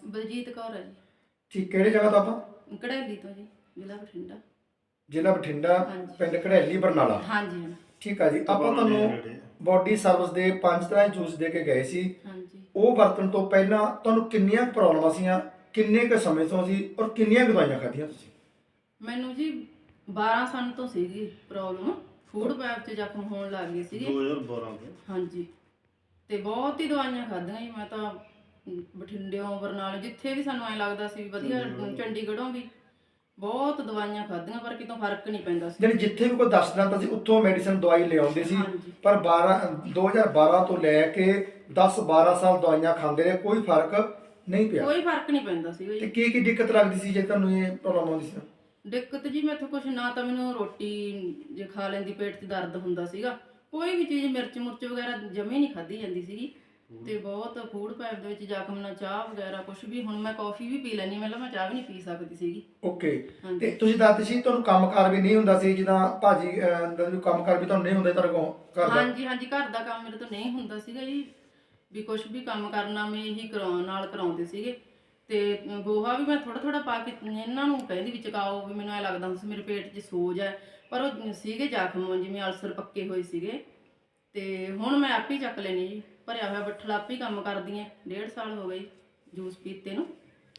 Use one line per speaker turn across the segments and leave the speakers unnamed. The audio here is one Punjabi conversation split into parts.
ਬਲਜੀਤ ਕੌਰ ਹੈ ਜੀ।
ਠੀਕ, ਕਿਹੜੇ ਜਗ੍ਹਾ ਤੋਂ ਆਪਾਂ?
ਕੜੈਲੀ ਤੋਂ ਜੀ, ਜ਼ਿਲ੍ਹਾ ਬਠਿੰਡਾ।
ਜ਼ਿਲ੍ਹਾ ਬਠਿੰਡਾ,
ਹਾਂਜੀ।
ਪਿੰਡ ਘੜੈਲੀ, ਬਰਨਾਲਾ।
ਹਾਂਜੀ ਹਾਂ।
ਠੀਕ ਆ ਜੀ। ਆਪਾਂ ਤੁਹਾਨੂੰ ਬੋਡੀ ਸਰਵਿਸ ਦੇ 5 ਤਰ੍ਹਾਂ ਦੇ ਜੂਸ ਦੇ ਕੇ ਗਏ ਸੀ।
ਹਾਂਜੀ।
ਉਹ ਵਰਤਣ ਤੋਂ ਪਹਿਲਾਂ ਤੁਹਾਨੂੰ ਕਿੰਨੀਆਂ ਪ੍ਰੋਬਲਮਾਂ ਸੀਆਂ, ਕਿੰਨੇ ਕੁ ਸਮੇਂ ਤੋਂ ਸੀ ਔਰ ਕਿੰਨੀਆਂ ਕੁ ਦਵਾਈਆਂ ਖਾਧੀਆਂ ਤੁਸੀਂ?
ਮੈਨੂੰ ਜੀ 12 ਸਾਲ ਤੋਂ ਸੀਗੀ ਪ੍ਰੋਬਲਮ, ਫੂਡ ਪੈਪ 'ਚ ਜ਼ਖਮ ਹੋਣ ਲੱਗ ਗਏ ਸੀਗੇ
2012 ਤੋਂ।
ਹਾਂਜੀ। ਤੇ ਬਹੁਤ ਹੀ ਦਵਾਈਆਂ ਖਾਧੀਆਂ ਜੀ ਮੈਂ ਤਾਂ, ਬਠਿੰਡਿਓਂ, ਬਰਨਾਲੇ, ਜਿੱਥੇ ਵੀ ਸਾਨੂੰ ਐਂ ਲੱਗਦਾ ਸੀ ਵੀ ਵਧੀਆ, ਚੰਡੀਗੜ੍ਹੋਂ ਵੀ ਬਹੁਤ ਦਵਾਈਆਂ ਖਾਧੀਆਂ ਪਰ ਕਿਤੋਂ ਫਰਕ ਨਹੀਂ ਪੈਂਦਾ ਸੀ।
ਜਿਹੜੀ ਜਿੱਥੇ ਵੀ ਕੋਈ ਦੱਸ ਦਿੰਦਾ ਸੀ ਉੱਥੋਂ ਮੈਡੀਸਨ ਦਵਾਈ ਲਿਆਉਂਦੇ ਸੀ।
ਹਾਂਜੀ।
ਪਰ 2012 ਤੋਂ ਲੈ ਕੇ 10-12 ਸਾਲ ਦਵਾਈਆਂ ਖਾਂਦੇ ਰਹੇ, ਕੋਈ ਫਰਕ ਨਹੀਂ ਪਿਆ।
ਕੋਈ ਫਰਕ ਨਹੀਂ ਪੈਂਦਾ ਸੀ
ਤੇ
ਜੀ।
ਕੀ ਦਿੱਕਤ ਲੱਗਦੀ ਸੀ ਜੇ ਤੁਹਾਨੂੰ ਇਹ ਪ੍ਰੋਬਲਮ ਆਉਂਦੀ ਸੀ?
ਦਿੱਕਤ ਜੀ ਮੈਥੋਂ ਕੁਛ ਨਾ ਤਾਂ ਮੈਨੂੰ ਰੋਟੀ ਜੇ ਖਾ ਲੈਂਦੀ ਪੇਟ 'ਚ ਦਰਦ ਹੁੰਦਾ ਸੀਗਾ, ਕੋਈ ਵੀ ਚੀਜ਼ ਮਿਰਚ ਮੁਰਚ ਵਗੈਰਾ ਜਮੇ ਨਹੀਂ ਖਾਧੀ ਜਾਂਦੀ ਸੀਗੀ। ਤੇ ਬਹੁਤ ਫੂਡ ਪੈਪ ਦੇ ਵਿੱਚ ਜ਼ਖਮ ਨਾਲ ਚਾਹ ਵਗੈਰਾ ਕੁਛ ਵੀ, ਹੁਣ ਮੈਂ ਕਾਫੀ ਵੀ ਪੀ ਲੈਂਦੀ, ਪਹਿਲਾਂ ਮੈਂ ਚਾਹ ਵੀ ਨਹੀਂ ਪੀ ਸਕਦੀ ਸੀਗੀ।
ਓਕੇ।
ਹਾਂਜੀ।
ਤੇ ਤੁਸੀਂ ਦੱਸਦੇ ਸੀ ਤੁਹਾਨੂੰ ਕੰਮਕਾਰ ਵੀ ਨਹੀਂ ਹੁੰਦਾ ਸੀ, ਜਿੱਦਾਂ ਭਾਜੀ ਦਾ ਵੀ ਕੰਮਕਾਰ ਵੀ ਤੁਹਾਨੂੰ ਨਹੀਂ ਹੁੰਦਾ ਤੁਹਾਡੇ ਕੋਲ ਘਰ ਦਾ?
ਹਾਂਜੀ ਹਾਂਜੀ, ਘਰ ਦਾ ਕੰਮ ਮੇਰੇ ਤੋਂ ਨਹੀਂ ਹੁੰਦਾ ਸੀਗਾ ਜੀ, ਵੀ ਕੁਛ ਵੀ ਕੰਮ ਕਰਨਾ ਮੈਂ ਇਹੀ ਕਰਾਉਂਦੇ ਸੀਗੇ। ਤੇ ਗੋਹਾ ਵੀ ਮੈਂ ਥੋੜਾ ਥੋੜਾ ਪਾ ਕੇ ਇਹਨਾਂ ਨੂੰ ਕਹਿੰਦੀ ਵੀ ਚਕਾਓ, ਵੀ ਮੈਨੂੰ ਐ ਲੱਗਦਾ ਹੁੰਦਾ ਸੀ ਮੇਰੇ ਪੇਟ 'ਚ ਸੋਜ ਹੈ, ਪਰ ਉਹ ਸੀਗੇ ਜ਼ਖਮ ਜਿਵੇਂ ਅਲਸਰ ਪੱਕੇ ਹੋਏ ਸੀਗੇ। ਤੇ ਹੁਣ ਮੈਂ ਆਪੇ ਹੀ ਚੱਕ ਲੈਣੀ ਜੀ, ਭਰਿਆ ਹੋਇਆ ਬੱਠਲ ਆਪੇ ਹੀ ਕੰਮ ਕਰਦੀ ਐ। 1.5 ਸਾਲ ਹੋ ਗਏ ਜੂਸ ਪੀਤੇ ਨੂੰ।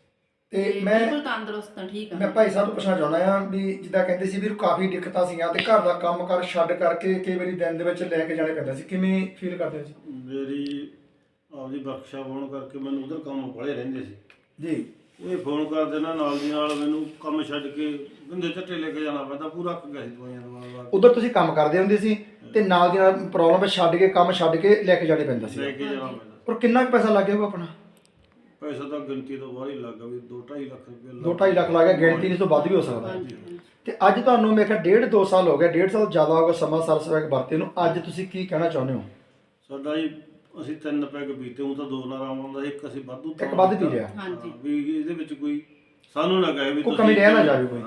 ਤੇ ਮੈਂ
ਬਿਲਕੁਲ ਤੰਦਰੁਸਤ ਹਾਂ, ਠੀਕ
ਮੈਂ
ਆ।
ਭਾਈ ਸਾਹਿਬ ਤੋਂ ਪੁੱਛਣਾ ਚਾਹੁੰਦਾ ਆ ਵੀ ਜਿੱਦਾਂ ਕਹਿੰਦੇ ਸੀ ਵੀ ਕਾਫੀ ਦਿੱਕਤਾਂ ਸੀਗੀਆਂ ਤੇ ਘਰ ਦਾ ਕੰਮਕਾਰ ਛੱਡ ਕਰਕੇ ਕਈ ਵਾਰੀ ਦਿਨ ਦੇ ਵਿੱਚ ਲੈ ਕੇ ਜਾਣੇ ਪੈਂਦਾ ਸੀ, ਕਿਵੇਂ ਫੀਲ ਕਰਦੇ ਹੋ ਜੀ?
ਮੇਰੀ ਆਪਦੀ ਵਰਕਸ਼ਾਪ ਹੋਣ ਕਰਕੇ ਮੈਨੂੰ ਉਧਰ ਕੰਮ ਬੜੇ ਰਹਿੰਦੇ ਸੀ
ਜੀ।
ਇਹ ਫੋਨ ਕਰ ਦੇਣਾ ਨਾਲ ਦੀ ਨਾਲ, ਮੈਨੂੰ ਕੰਮ ਛੱਡ ਕੇ ਗੰਦੇ ਝੱਟੇ ਲੈ ਕੇ ਜਾਣਾ ਪੈਂਦਾ, ਪੂਰਾ ਅੱਕ ਗਿਆ ਸੀ ਦਵਾਈਆਂ ਦਵਾ
ਉਧਰ ਤੁਸੀਂ ਕੰਮ ਕਰਦੇ ਹੁੰਦੇ ਸੀ ਤੇ ਨਾਲ ਦੀ ਨਾਲ ਪ੍ਰੋਬਲਮ ਛੱਡ ਕੇ, ਕੰਮ ਛੱਡ ਕੇ ਲੈ ਕੇ ਜਾਣੇ ਪੈਂਦਾ
ਲੈ
ਸੀ।
ਕੇ ਜਾਣਾ ਪੈਂਦਾ।
ਔਰ ਕਿੰਨਾ ਕੁ ਪੈਸਾ ਲੱਗ ਗਿਆ ਉਹ ਆਪਣਾ?
ਪੈਸਾ ਤਾਂ ਗਿਣਤੀ ਤੋਂ ਬਾਹਰ ਹੀ ਲੱਗਾ, ਵੀ 2-2.5 ਲੱਖ ਰੁਪਏ
2-2.5 ਲੱਖ ਲੱਗ ਗਿਆ, ਗਿਣਤੀ ਨਹੀਂ ਤੋਂ ਵੱਧ ਵੀ ਹੋ ਸਕਦਾ।
ਹਾਂਜੀ ਹਾਂਜੀ।
ਤੇ ਅੱਜ ਤੁਹਾਨੂੰ ਮੇਰੇ ਖਿਆਲ 1.5-2 ਸਾਲ ਹੋ ਗਿਆ, 1.5 ਸਾਲ ਜ਼ਿਆਦਾ ਹੋ ਗਿਆ ਸਮਾਂ ਸਰਸ ਪੈਕ ਵਰਤੇ ਨੂੰ। ਅੱਜ ਤੁਸੀਂ ਕੀ ਕਹਿਣਾ ਚਾਹੁੰਦੇ ਹੋ?
ਸਾਡਾ ਜੀ ਅਸੀਂ 3 ਪੈਗ ਪੀਤੇ, ਉਹ ਤਾਂ 2 ਨਾਲ ਆਰਾਮ ਆਉਂਦਾ, ਇੱਕ ਅਸੀਂ ਵਾਧੂ
ਇੱਕ ਵੱਧ ਪੀ ਲਿਆ।
ਹਾਂਜੀ।
ਵੀ ਇਹਦੇ ਵਿੱਚ ਕੋਈ ਸਾਨੂੰ ਨਾ ਕਹੇ ਵੀ
ਕੋਈ ਕਮੀ ਰਹਿ ਨਾ ਜਾਵੇ ਕੋਈ।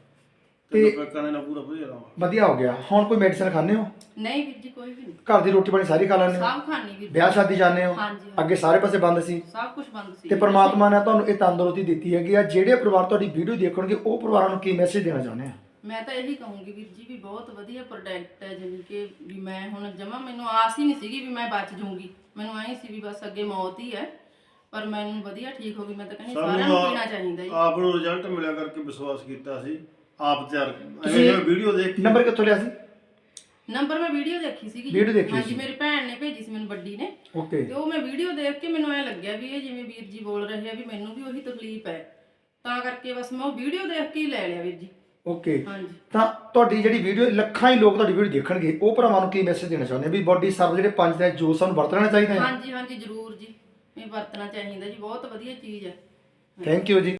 ਤੇ ਪੈਕਾਂ ਦੇ ਨਾਲ ਪੂਰਾ ਵਧੀਆ ਆਰਾਮ।
ਵਧੀਆ ਹੋ ਗਿਆ। ਹੁਣ ਕੋਈ ਮੈਡੀਸਨ ਖਾਂਦੇ ਹੋ?
ਨਹੀਂ ਵੀਰ ਜੀ, ਕੋਈ ਵੀ ਨਹੀਂ।
ਘਰ ਦੀ ਰੋਟੀ ਪਾਣੀ ਸਾਰੀ ਖਾ ਲੈਂਦੇ ਹੋ?
ਸਭ ਖਾਣੀ ਵੀਰ ਜੀ।
ਵਿਆਹ ਸ਼ਾਦੀ ਜਾਂਦੇ ਹੋ?
ਹਾਂਜੀ
ਅੱਗੇ ਸਾਰੇ ਪਾਸੇ ਬੰਦ ਸੀ
ਸਭ ਕੁਝ ਬੰਦ ਸੀ।
ਤੇ ਪ੍ਰਮਾਤਮਾ ਨੇ ਤੁਹਾਨੂੰ ਇਹ ਤੰਦਰੁਸਤੀ ਦਿੱਤੀ ਹੈਗੀ ਆ। ਜਿਹੜੇ ਪਰਿਵਾਰ ਤੁਹਾਡੀ ਵੀਡੀਓ ਦੇਖਣਗੇ ਉਹ ਪਰਿਵਾਰਾਂ ਨੂੰ ਕੀ ਮੈਸੇਜ ਦੇਣਾ ਚਾਹੁੰਦੇ ਆ?
ਮੈਂ ਤਾਂ ਇਹੀ ਕਹੂੰਗੀ ਵੀਰ ਜੀ ਵੀ ਬਹੁਤ ਵਧੀਆ ਪ੍ਰੋਡਕਟ ਹੈ, ਜਿਵੇਂ ਕਿ ਵੀ ਮੈਂ ਹੁਣ ਜਮਾ, ਮੈਨੂੰ ਆਸ ਹੀ ਨਹੀਂ ਸੀਗੀ ਵੀ ਮੈਂ ਬਚ ਜੂੰਗੀ। ਮੈਨੂੰ ਐਂ ਸੀ ਵੀ ਬਸ ਅੱਗੇ ਮੌਤ ਹੀ ਹੈ, ਪਰ ਮੈਨੂੰ ਵਧੀਆ ਠੀਕ ਹੋ ਗਈ। ਮੈਂ ਤਾਂ ਕਹਿੰਦੀ ਸਾਰਿਆਂ ਨੂੰ ਪੀਣਾ ਚਾਹੀਦਾ ਜੀ।
ਆਪ ਨੂੰ ਰਿਜ਼ਲਟ ਮਿਲਿਆ ਕਰਕੇ ਵਿਸ਼ਵਾਸ ਕੀਤਾ ਸੀ, ਆਪ ਤਿਆਰ ਇਹ ਵੀਡੀਓ ਦੇਖ ਕੇ।
ਨੰਬਰ ਕਿੱਥੋਂ ਲਿਆ ਸੀ?
ਨੰਬਰ ਮੈਂ ਵੀਡੀਓ ਦੇਖੀ ਸੀਗੀ ਜੀ।
ਵੀਡੀਓ ਦੇਖੀ
ਹਾਂਜੀ,
ਸੀ।
ਮੇਰੀ ਭੈਣ ਨੇ ਭੇਜੀ ਸੀ ਮੈਨੂੰ, ਵੱਡੀ ਨੇ।
ਓਕੇ।
ਤੇ ਉਹ ਮੈਂ ਵੀਡੀਓ ਦੇਖ ਕੇ ਮੈਨੂੰ ਐ ਲੱਗਿਆ ਵੀ ਇਹ ਜਿਵੇਂ ਵੀਰ ਜੀ ਬੋਲ ਰਹੇ ਆ ਵੀ ਮੈਨੂੰ ਵੀ ਉਹੀ ਤਕਲੀਫ ਹੈ, ਤਾਂ ਕਰਕੇ ਬਸ ਮੈਂ ਉਹ ਵੀਡੀਓ ਦੇਖ ਕੇ ਹੀ ਲੈ ਲਿਆ ਵੀਰ ਜੀ।
ਓਕੇ।
ਹਾਂਜੀ।
ਤਾਂ ਤੁਹਾਡੀ ਜਿਹੜੀ ਵੀਡੀਓ ਲੱਖਾਂ ਹੀ ਲੋਕ ਤੁਹਾਡੀ ਵੀਡੀਓ ਦੇਖਣਗੇ, ਉਹ ਭਰਾਵਾਂ ਨੂੰ ਕੀ ਮੈਸੇਜ ਦੇਣਾ ਚਾਹੁੰਦੇ ਆ ਵੀ ਬੋਡੀ ਸਰਵ ਜਿਹੜੇ 5 ਦਾ ਜੂਸ ਸਾਨੂੰ ਵਰਤਣਾ ਚਾਹੀਦਾ ਹੈ?
ਹਾਂਜੀ ਹਾਂਜੀ, ਜ਼ਰੂਰ ਜੀ, ਇਹ ਵਰਤਣਾ ਚਾਹੀਦਾ ਜੀ, ਬਹੁਤ ਵਧੀਆ ਚੀਜ਼ ਹੈ।
ਥੈਂਕ ਯੂ ਜੀ।